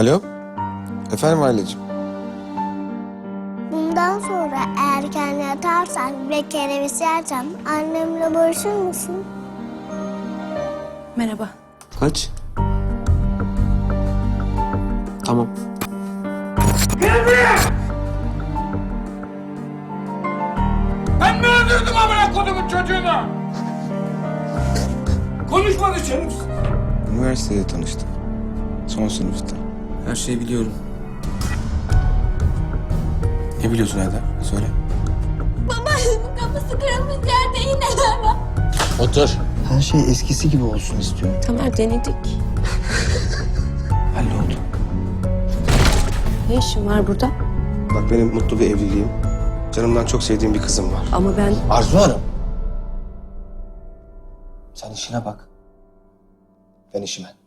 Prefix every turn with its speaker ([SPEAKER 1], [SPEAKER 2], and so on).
[SPEAKER 1] Alo? Efendim Aileciğim?
[SPEAKER 2] Bundan sonra erken yatarsan ve kereviz yersen annemle barışır mısın?
[SPEAKER 3] Merhaba.
[SPEAKER 1] Kaç? Tamam.
[SPEAKER 4] Ben mi öldürdüm amına kodumun çocuğunu? Konuşma dışarı.
[SPEAKER 1] Üniversitede tanıştık. Son sınıfta. Her şeyi biliyorum. Ne biliyorsun Eda? Söyle.
[SPEAKER 2] Babaannemin kafası kırılmış yerde iğneler var.
[SPEAKER 1] Otur.
[SPEAKER 5] Her şey eskisi gibi olsun istiyorum.
[SPEAKER 3] Tamer denedik.
[SPEAKER 1] Halloldu.
[SPEAKER 3] Ne işin var burada?
[SPEAKER 1] Bak benim mutlu bir evliliğim. Canımdan çok sevdiğim bir kızım var.
[SPEAKER 3] Ama ben...
[SPEAKER 5] Arzu Hanım. Sen işine bak. Ben işime.